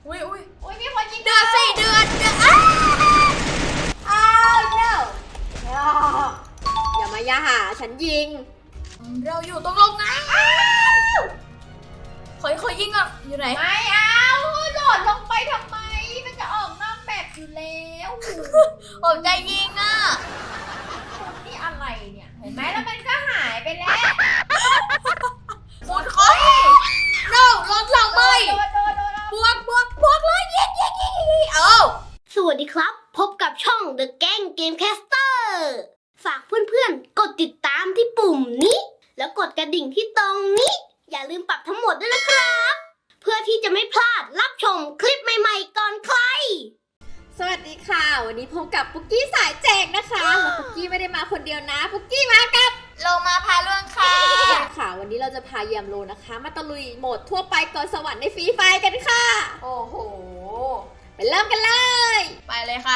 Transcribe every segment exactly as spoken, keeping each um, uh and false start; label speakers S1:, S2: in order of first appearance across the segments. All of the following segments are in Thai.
S1: อุ้ยอุ้ย
S2: อุ้ยมีคนยิง
S1: เดือดสิเดือดเดือดอ้า
S2: อ้าวเนอะอย่ามาย่าหาฉันยิง
S1: เราอยู่ตรงโรงงานขอขอยิงอ่ะอยู่ไหน
S2: ไม่เอาโดดลงไปทำไมมันจะออกนอกแบบอยู่แล้ว
S1: ผมจะยิงอ่ะ
S2: นี่อะไรเนี่ยเห็นไหมแล้วมันก็หายไปแล้ว
S1: คุณเขาโน่รถเราไหม
S2: โดนโดนโดน
S1: บวกบวกบวกเลยยิงยิงยิงยิงเออ
S3: สวัสดีครับ พบกับช่อง The Gang Gamecaster ฝากเพื่อนๆ กดติดตามที่ปุ่มนี้ แล้วกดกระดิ่งที่ตรงนี้ อย่าลืมปรับทั้งหมดด้วยนะครับ เพื่อที่จะไม่พลาดรับชมคลิปใหม่ๆก่อนใคร
S2: สวัสดีค่ะวันนี้พบกับปุ๊กกี้สายแจกนะคะแล้วปุ๊กกี้ไม่ได้มาคนเดียวนะปุ๊กกี้มากับ
S1: ลงมาพาเรื่องค่ะ
S2: ใช่ค่ะวันนี้เราจะพาเยี่ยมโลนะคะ มาตะลุยโหมดทั่วไปก่อนสวรรค์ในฟรีไฟร์กันค่ะโอ้โหไปเริ่มกันเลย
S1: ไปเลยค่ะ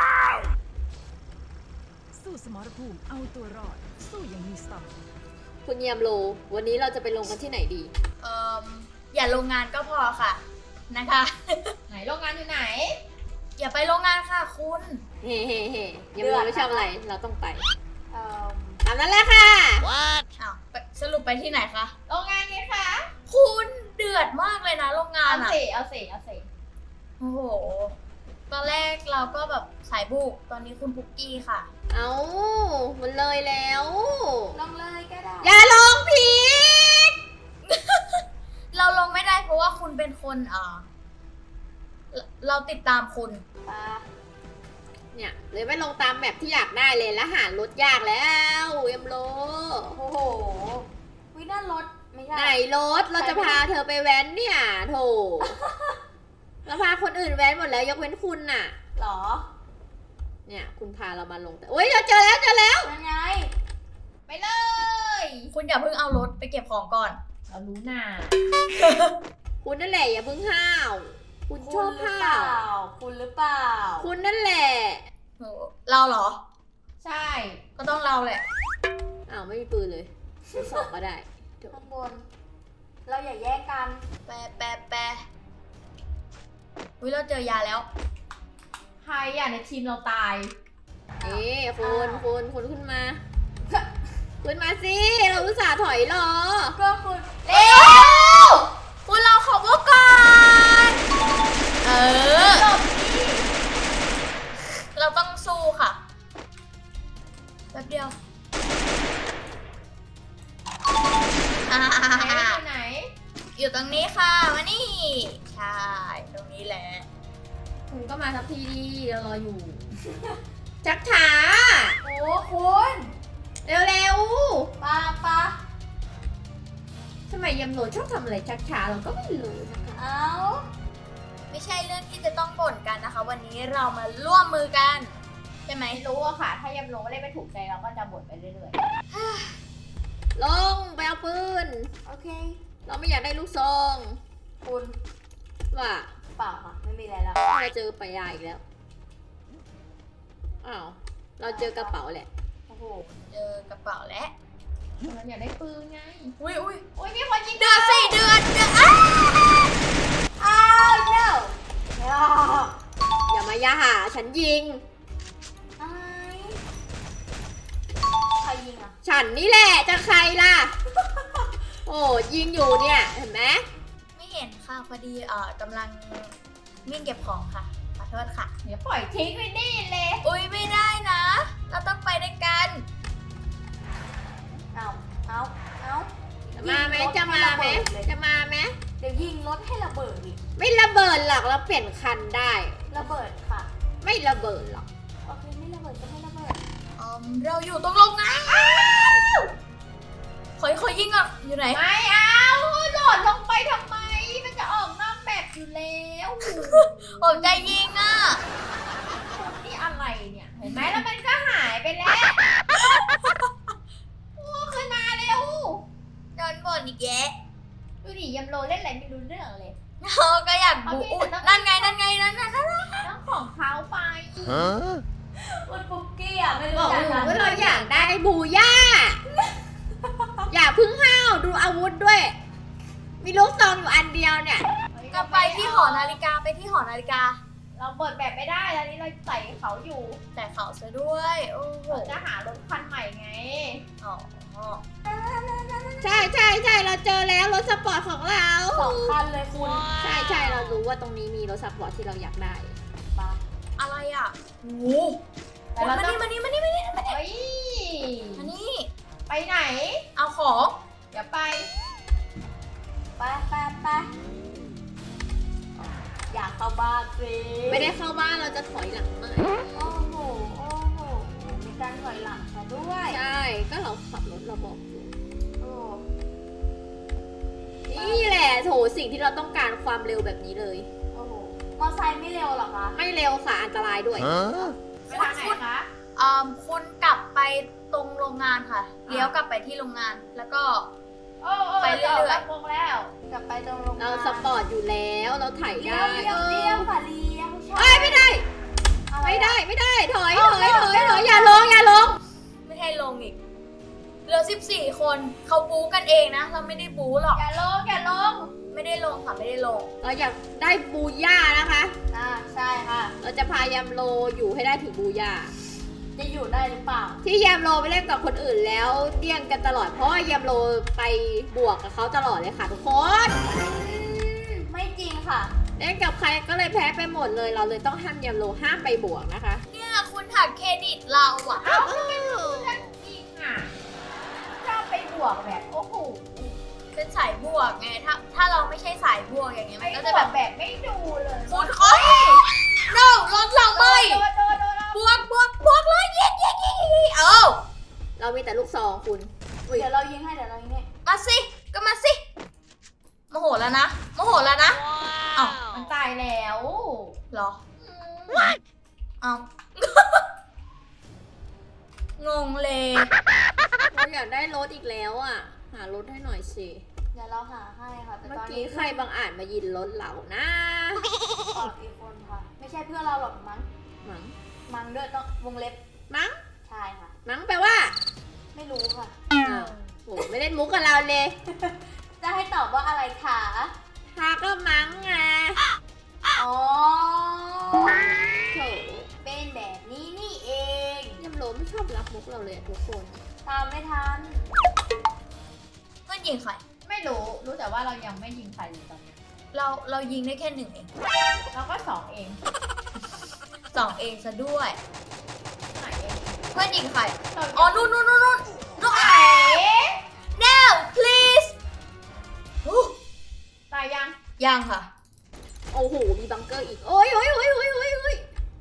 S4: สู้สมรภูมิเอาตัวรอด สู้อย่างมีสติ
S2: คุณเยี่ยมโลวันนี้เราจะไปลงกันที่ไหนดี
S1: เอ่ออย่าโรงงานก็พอค่ะนะคะ
S2: ไหนโรงงานอยู่ไหน
S1: อย่าไปโรงงานค่ะคุณ
S2: เฮ้เฮ้เฮ้เยี่ยมโลไม่ชอบอะไรเราต้องไป
S3: เอ่อ
S2: ตามนั้นแหละค่ะ
S1: อ้าวไปสรุปไปที่ไหนคะ
S2: โรงงานนี้ค่ะ
S1: คุณเดือดมากเลยนะโรงงาน
S2: เอา
S1: อ่ะ
S2: สิเอาสิเอาสิ
S1: โอ้โหตอนแรกเราก็แบบสายบุกตอนนี้คุณปุกกี้ค่ะ
S2: เอามันเลยแล้ว
S3: ลองเลยก็ได้
S2: อย่าลงผิด
S1: เราลงไม่ได้เพราะว่าคุณเป็นคนเอ่อเราเราติดตามคุณ
S2: เนี่ยเลยไม่ลงตามแมปที่อยากได้เลยแล้วหารถยากแล้วเยี่ยมโล
S3: โอ้โหวิน่ารถไม่ใช่
S2: ไหนรถเราจะพาเธอไปแว้นเนี่ยโถ เราพาคนอื่นแว้นหมดแล้วยกเว้นคุณน่ะ
S3: หรอ
S2: เนี่ยคุณพาเรามาลงแต่โอ้ยเราเจอแล้วเจอแล้ว
S3: ยังไง
S2: ไปเลย
S1: คุณอย่าเพิ่งเอารถไปเก็บของก่อน
S2: เรารู้หน้า คุณนั่นแหละอย่าเพิ่งห้าว คุณชอบห้าว
S3: คุณหรือเปล่า
S2: คุณนั่นแหละ
S1: โอ้เราเหรอ
S2: ใช่
S1: ก็ต้องเราแหละ
S2: อ้าวไม่มีปืนเลยทดสอบก็ได้เดี๋ยว
S3: ข้างบน เราอย่าแยกกัน
S1: แปะแปะแปะอุ้ยเราเจอยาแล้ว
S2: ใครอ่ะในทีมเราตายเอ๊ะคุณคุณคุณขึ้นมา ขึ้นมาสิ เราอุตส่าห์ถอยรอ
S3: ก็คุณ
S1: เร็วคุณเราขอพวกก่อน เออ เราต้องสู้ค่ะ แป๊บเดียวอ่า
S2: ไหน
S1: อยู่ตรงนี้ค่ะมานี่ ใช่ ตรงนี้แหละ
S2: คุณก็มาทักทีดีเรารออยู่ ชักช้า
S3: โอ้คุณ
S2: เร็ว
S3: ปาปา
S2: ๆทำไมยำโหลชอบทำอะไรชักช้าเราก็ไม่รู้นะคะ
S3: เอา
S1: ไม่ใช่เรื่องที่จะต้องบ่นกันนะคะ วันนี้เรามาร่วมมือกัน ใช่ไหม
S2: ไม่รู้อะค่ะ ถ้ายำโหลเล่นไม่ถูกใจเราก็จะบ่นไปเรื่อยๆ ลงไปเอาปืน
S3: โอเค
S2: เราไม่อยากได้ลูกซอง
S3: คุณ
S2: ว่า
S3: เปล่าค่ะ ไม่มีอะไรแล้ว
S2: เราเจอปลายาอีกแล้ว อ้าว เราเจอกระเป๋าแหละ
S3: โอ้โห
S1: เจอกระเป๋าแล้ว
S2: เราอยากได้ปืนไง
S1: อุ้ยอุ้ย
S2: โอ้ยมีคนยิง
S1: เดือดสิเดือดเดือดอ้า
S3: อ้าวเนอะ
S2: อย่ามาย่าหาฉันยิง
S3: อะไรใครยิงอ่ะ
S2: ฉันนี่แหละจะใครล่ะ โอ้ยิงอยู่เนี่ย เห็นไหม
S1: ไม่เห็นค่ะพอดีเอ่อกำลังวิ่งเก็บของค่ะ ขอโทษค่ะ
S2: เดี๋ยวปล่อยทิ้งไว้นี่เลย
S1: อุ้ยไม่ได้นะ เราต้องไปด้วยกัน
S3: เอาเอาเอา
S2: จะมาไหมจะมาไหมจะมาไหม
S3: เดี๋ยวยิงรถให้ระเบิดอีก
S2: ไม่ระเบิดหรอกเราเปลี่ยนคันได้
S3: ระเบิดค่ะ
S2: ไม่ระเบิดหรอก
S3: โอเคไม่ระเบิดก็ไม่ระเบิด
S1: อืมเราอยู่ตรงโรงงานขอขอยิงอ่ะ อยู่ไหน
S2: ไม่เอาโดดลงไปทำไม มันจะออกนอกแบบอยู่แล้ว
S1: ผมจะยิงอ่ะ
S2: นี่อะไรเนี่ย เห็นไหมแล้วมันก็หายไปแล้ว โอ้ขึ้นมาเร็ว
S1: โดนบ่นอีกแยะ
S2: ดูดิยำโลเล่นอะไรไม่รู้เรื่องเลย
S1: เราก็อยากบุ
S2: เอาพี่
S1: อุ๊ย
S2: แต่ต้อง
S1: นั่นไงนั่นไงนั่นนั่นนั่น
S2: ต้องของเขาไป
S3: คุณปุ๊กกี้อ่ะไม่
S2: บ
S3: รู้
S2: อก
S3: จัก
S2: หนู
S3: กัน
S2: ว่าเราอยากได้บูย่า อย่าพึ่งห้าวดูอาวุธด้วย มีลูกซองอยู่อันเดียวเนี่ย
S1: ก็จะไปที่หอนาฬิกาไปที่หอนาฬิกา
S2: เราเปิดแบบไม่ได้ตอนนี้เราใส่เขาอยู่
S1: แต่เขาซะด้วยโอ้โห
S2: เราจะหารถคันใหม่ไง
S1: อ๋อ
S2: ใช่ใช่ใช่เราเจอแล้วรถสปอร์ตของเรา
S3: สองคันเลยคุณ
S2: ใช่ใช่เรารู้ว่าตรงนี้มีรถสปอร์ตที่เราอยากได้
S3: ปะ
S1: อะไรอ่ะโอ้โห
S2: แต่เรา
S1: มา
S2: ต้อ
S1: นี่
S2: ง
S1: มานี่มานี่มานี่มานี่
S2: เฮ้ย
S1: มานี่
S2: ไปไหน
S1: เอาของ
S2: เดี๋ยวไป
S3: ไปไปไปอยากเข้าบ้านสิ
S2: ไม่ได้เข้าบ้านเราจะถอยหลังหน่อย
S3: โอ้โหโอ้โหมีการถอยหลังมาด้วย
S2: ใช่ก็เราขับรถเราบอกอยู่
S3: โอ้
S2: นี่แหละโถสิ่งที่เราต้องการความเร็วแบบนี้เลย
S3: โอ้โหมอไซค์ไม่เร็วเหรอคะ
S2: ไม่เร็วค่ะอันตรายด้วย
S3: ไปทางไหนคะ
S1: อ่าคุณกลับไปตรงโรงงานค่ะเลี้ยวกลับไปที่โรงงานแล้วก็
S2: โอ้โอ้
S1: ไปเรื่อยๆ
S2: จะกโมงแล้ว
S3: กลับไปตรงโรงงาน
S2: เราสปอร์ตอยู่แล้วเราถ่าย
S3: เลี้
S2: ได้
S3: ยวเลี้ยวเลี้ยวค่ะเลี้ยวใช่
S2: เอ้ยไม่ได้
S3: อะไร
S2: ไม่
S3: อะ
S2: ได้ไม่ได้ถอย
S3: เอา
S2: ถอย
S3: เอา
S2: ถอย
S3: เอา
S2: ถอยอย่าลงอย่าลง
S1: ไม่ให้ลงอีกเหลือสิบสี่คนเขาบู๊กันเองนะ เราไม่ได้บู๊หรอก
S2: อย่าลงอย่าลง
S1: ไม่ได้ลงค่ะไม่ได้ลง
S2: เราอยากได้บูย่านะคะ
S3: อ่าใช่ค่ะ
S2: เราจะพายามโลอยู่ให้ได้ถึงบูย่า
S3: จะอยู่ได้หรือเปล่า
S2: ที่ยามโลไปเล่นกับคนอื่นแล้วเดี่ยงกันตลอดเพราะว่ายามโลไปบวกกับเขาตลอดเลยค่ะทุกคน
S3: ไม่จริงค่ะ
S2: เล่นกับใครก็เลยแพ้ไปหมดเลย เราเลยต้องห้ามยามโลห้ามไปบวกนะคะ
S1: เนี่ยคุณหักเครดิตเราอะ
S2: เอ้าทำไมคุณท่านจริงอ่ะชอบไปบวกแบบโอ้โห
S1: เป็นสายบวกไงถ้าถ้าเราไม่ใช่สายบวกอย่างเงี้ย
S2: ไป
S1: มันก็
S2: บ
S1: จะ
S2: ว
S1: แบ
S2: ก
S1: บ
S2: แบบไม่ดูเลย
S1: คุณโอ้ย no รถเราไม่
S2: โดนโดนโดนโดน
S1: บวกบวกบวกเลยยิงยิงยิงยิงเอ้า
S2: เรามีแต่ลูกซองคุณอุ๊ย
S3: เดี๋ยวเรายิงให้เดี๋ยวเรายิงให้
S1: มาสิก็มาสิโมโหแล้วนะโมโหแล้วนะเอ้า
S2: มันตายแล้ว
S1: เหรอเอ้า งงเลย
S2: เราอยากได้รถอีกแล้วอ่ะ หารถให้หน่อยสิ
S3: เดี๋ยวเราหาให้ค่ะแต่
S2: เมื่อ
S3: ตอน
S2: กี้
S3: นี้
S2: ใครบางอาจมายินรถเรานะ
S3: ออกอีกคนค่ะ ไม่ใช่เพื่อนเราหรอกมั้ง
S2: มั้ง
S3: มั้งด้วยต้องวงเล็บ
S2: มั้ง
S3: ใช่ค่ะ
S2: มั้งแปลว่า
S3: ไม่รู้ค่ะ
S2: อ้าวโหไม่เล่นมุกกับเราเลย
S3: จะให้ตอบว่าอะไรคะ
S2: ทาก็มั้งไง
S3: อ๋อ
S2: โถ
S3: เป็นแบบนี้นี่เอง
S2: ยำโลไม่ชอบรับมุกเราเลยอะทุกคน
S3: ตามไม่ทัน
S1: เพื่อนยิงใคร
S2: ไม่รู้ รู้แต่ว่าเรายังไม่ยิงใครเลยตอนนี้
S1: เราเรายิงได้แค่หนึ่งเอง
S2: เราก็สองเอง
S1: สองเองซะด้วย
S2: ไหนเอง
S1: เพื่อนยิงใคร
S2: เรา
S1: อ๋อนู่นนู่นนู่นนู่นนู่น
S2: ไหน
S1: now please โอ้
S2: ตายยัง
S1: ยังค่ะ
S2: โอ้โห มีบังเกอร์อีก โอ้ยโอ้ยโอ้ยโอ้ยโอ้ยโอ้ย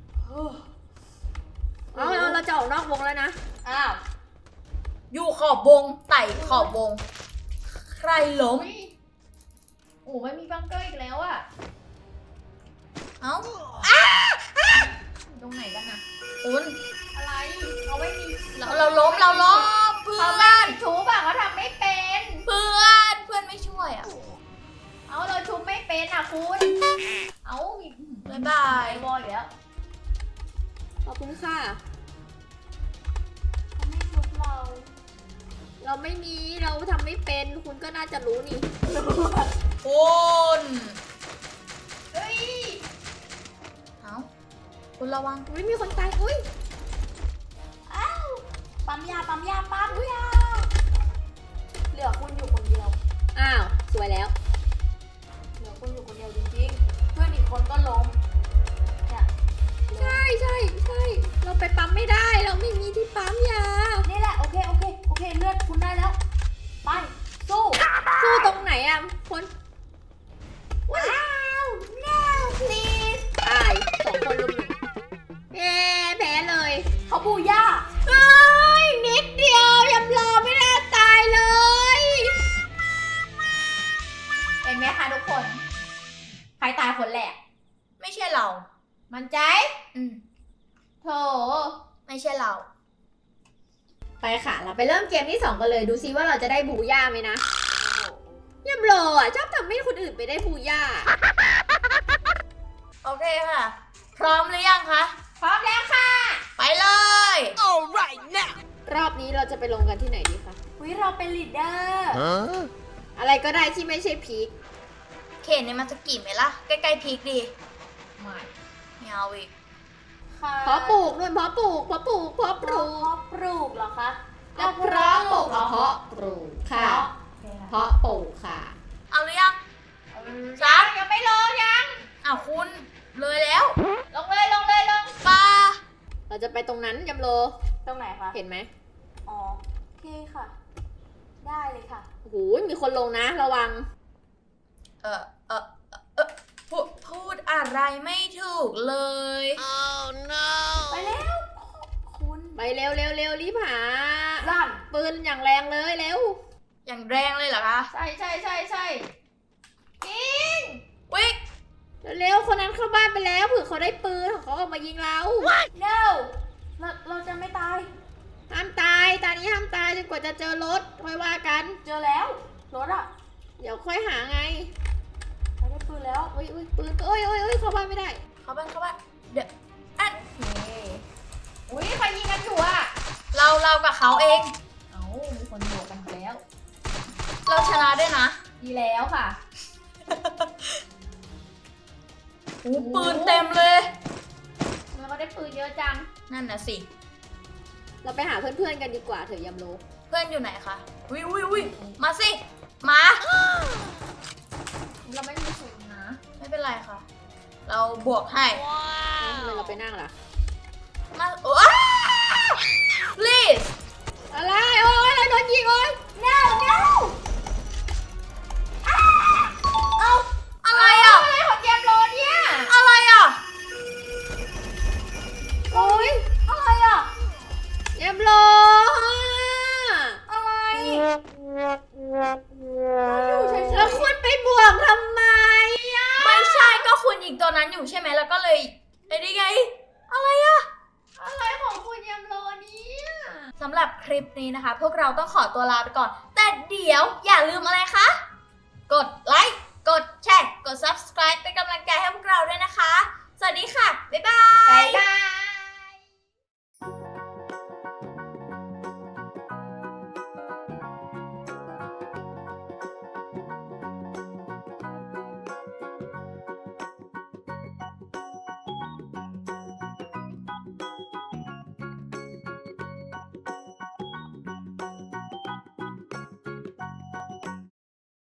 S2: เอาเอาเราจะออกนอกวงแล้วนะ
S3: อ้าว
S1: อยู่ขอบวงไต่ขอบวง ใครล้ม
S2: โอ้ยโอ้ไม่มีบังเกอร์อีกแล้วอะ
S1: เอ้า
S2: ตรงไหนกันนะ
S1: คุณ
S2: อะไรเขาไม่มี
S1: เราเราล้มเราล้มเพื่อ
S2: เขาไม่
S1: น
S2: ชูบอะเขาทำไม่เป็น
S1: เพื่อนเพื่อนไม่ช่วยอ่ะ
S2: เอาเราชุบไม่เป็นอ่ะคุณ เอามี
S1: บ๊ายบาย
S2: ไบอยแล้ว ขอบคุณค่ะ
S3: เขาไม่ชุบเรา
S2: เราไม่มี เราทำไม่เป็น คุณก็น่าจะรู้นี่
S1: คุณ
S2: เฮ้ย
S1: เอ้าคุณระวัง
S2: ไม่มีคนตายอุ้ย
S3: อ้าวปั๊มยาปั๊มยาปั๊มยาเหลือคุณอยู่คนเดียว
S2: อ้าว สวยแล้ว
S3: เหลือคุณอยู่คนเดียวจริงๆ เพื่อนอีกคนก็ล้มเนี่ย
S2: ใช่ใช่ใช่ เราไปปั๊มไม่ได้ เราไม่มีที่ปั๊มยา
S3: นี่แหละโอเคโอเคโอเคเลือดคุณได้แล้ว ไปสู้
S2: สู้ตรงไหนอ่ะ คน
S3: ว้าว no please
S2: ตายสองคนลุมหนึ่งเย้แพ้เลย
S3: เขาบูย่า
S2: เฮ้ย นิดเดียวยำรอไม่น่าตายเลย เห็นไหมคะทุกคน ใครตายคนแรก
S1: ไม่ใช่เรา
S2: มันใจ
S1: อืม
S2: โถ
S1: ไม่ใช่เรา
S2: ไปค่ะ เราไปเริ่มเกมที่สองกันเลย ดูซิว่าเราจะได้บูย่าไหมนะยำโลอ่ะชอบทำให้คนอื่นไปได้บูย่า
S1: โอเคค่ะ พร้อมหรือยังคะ
S2: พร้อมแล้วค่ะ
S1: ไปเลย
S2: รอบนี้เราจะไปลงกันที่ไหนดีคะ
S3: วิเราเป็นลีดเดอร์
S2: อะไรก็ได้ที่ไม่ใช่พีค
S1: เคนเนี่ยมันจะกี่ไหมล่ะ ใกล้ๆพีคดี
S2: ไม่
S1: ไม่เอาอีก
S3: ค่ะ
S2: เพาะปลูกด้วยเพาะปลูกเพาะปลูกเพาะปลูก
S3: เพาะปลูกเหรอคะ
S2: แล้วเพาะปลูกเพาะปลูกค่ะ เพาะปลูกค่ะ
S1: เอาหรือยัง
S2: ยังยังไม่ลงยัง
S1: อ้าวคุณเลยแล้ว
S2: ลงเลยลงเลยลง
S1: ปลา
S2: เราจะไปตรงนั้นยำโล
S3: ตรงไหนคะ
S2: เห็นไหม
S3: อ๋อโอเคค่ะ ได้เลยค่ะ
S2: โอ้โหมีคนลงนะระวัง
S1: เออเออเออพูดพูดอะไรไม่ถูกเลย
S3: ไปแล้วคุณ
S2: ไปเร็วเร็วเร็วรีบหา
S3: ลั่น
S2: ปืนอย่างแรงเลยเร็ว
S1: อย่างแรงเลยเหรอคะ
S2: ใช่ใช่ใช่ใช่ยิง
S1: วิก
S2: เร็วๆคนนั้นเข้าบ้านไปแล้วเผื่อเขาได้ปืนของเขาออกมายิงเรา
S3: no เราเราจะไม่ตาย
S2: ห้ามตายตอนนี้ห้ามตายจนกว่าจะเจอรถค่อยว่ากัน
S3: เจอแล้ว รถอะ
S2: เดี๋ยวค่อยหาไง
S3: ไปได้ปืนแล้ว
S2: อุ้ยอุ้ยปืนโอ้ยโอ้ยโอ้ยเข้าบ้านไม่ได้
S1: เข้าบ้านเข้าบ้านเดี๋ยวอัน
S2: โอเคอุ้ยใครยิงกันอยู่อะ
S1: เราเรากับเขาเอง
S2: เอ้ามีคนบวกกันแล้ว
S1: เราชนะด้วยนะ
S2: ดีแล้วค่ะ
S1: หูปืนเต็มเลย
S2: แล้วก็ได้ปืนเยอะจัง
S1: นั่นน่ะสิ
S2: เราไปหาเพื่อนๆกันดีกว่าเถอะยำโล
S1: เพื่อนอยู่ไหนคะวิววิววิมาสิ มา
S2: เราไม่มีปืนนะ
S1: ไม่เป็นไรค่ะ เราบวกให้
S2: ทำไมเราไปนั่งล่ะ
S1: มาโอ้ please
S2: อะไรโอ้ยเราโดนยิงโอ้ย
S3: no no
S1: เอาอะไรอ่ะ
S2: อะไรของยำโลเนี่ย
S1: อะไรอ่ะ
S2: โอ้ย
S3: อะไรอะ
S2: ยำโล
S3: อะไร
S2: แล้วคุณไปบวกทำไมอะ
S1: ไม่ใช่ก็คุณยิงตัวนั้นอยู่ใช่ไหมแล้วก็เลยไอ้นี่ไง อะไรอ่ะ
S2: อะไรของคุณยำโลเนี่ย
S1: สำหรับคลิปนี้นะคะ พวกเราต้องขอตัวลาไปก่อน แต่เดี๋ยวอย่าลืมอะไรคะ กดไลค์ กดแชร์ กด subscribe เป็นกำลังใจให้พวกเราด้วยนะคะ สวัสดีค่ะ บ๊ายบาย
S2: บ๊ายบาย